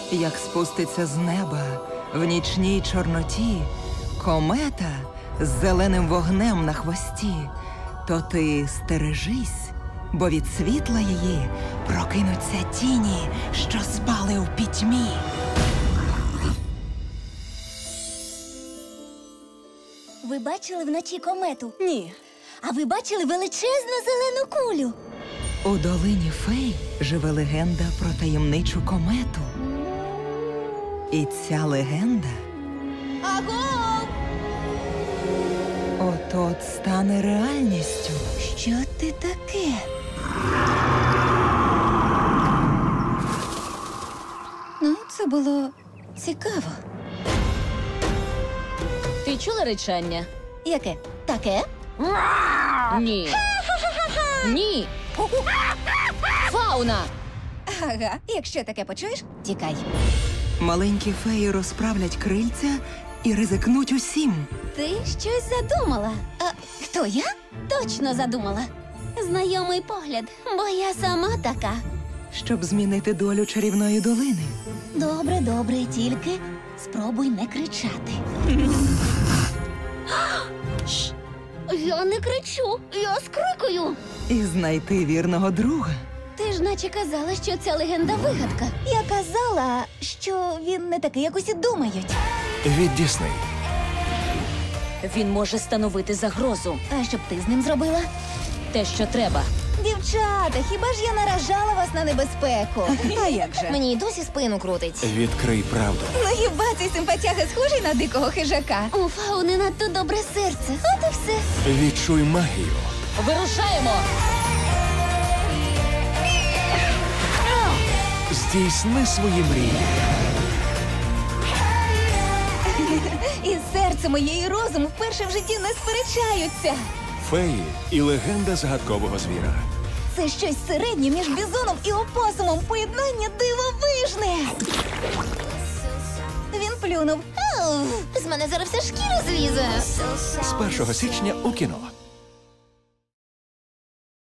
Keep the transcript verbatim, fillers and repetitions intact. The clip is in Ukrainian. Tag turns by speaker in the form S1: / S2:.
S1: як спуститься з неба в нічній чорноті комета з зеленим вогнем на хвості, то ти стережись, бо від світла її прокинуться тіні, що спали в пітьмі.
S2: Ви бачили вночі комету?
S3: Ні.
S2: А ви бачили величезну зелену кулю?
S1: У долині фей живе легенда про таємничу комету. І ця легенда
S2: Агов!
S1: от-от стане реальністю.
S2: Що ти таке? Ну, це було цікаво.
S3: Ти чула речання?
S2: Яке? Таке?
S3: Ні. Ні. Фауна!
S2: Ага, якщо таке почуєш, тікай.
S1: Маленькі феї розправлять крильця і ризикнуть усім.
S2: Ти щось задумала. А хто я? Точно задумала. Знайомий погляд, бо я сама така.
S1: Щоб змінити долю чарівної долини.
S2: Добре, добре, тільки спробуй не кричати. Я не кричу, я скрикую.
S1: І знайти вірного друга.
S2: Ти ж наче казала, що ця легенда вигадка. Я казала, що він не такий, як усі думають.
S4: Від Дісней.
S3: Він може становити загрозу.
S2: А що б ти з ним зробила?
S3: Те, що треба.
S2: Дівчата, хіба ж я наражала вас на небезпеку?
S1: А як же?
S2: Мені й досі спину крутить.
S4: Відкрий правду.
S2: Ну хіба цей симпатяга схожий на дикого хижака? У Фауни надто добре серце. От і все.
S4: Відчуй магію.
S3: Вирушаємо!
S4: Здійсни свої мрії.
S2: І серце моє, і розум вперше в житті не сперечаються.
S4: Феї і легенда загадкового звіра.
S2: Це щось середнє між бізоном і опосумом. Поєднання дивовижне. Він плюнув. Ау, з мене зараз вся шкіра злізе.
S4: З першого січня у кіно.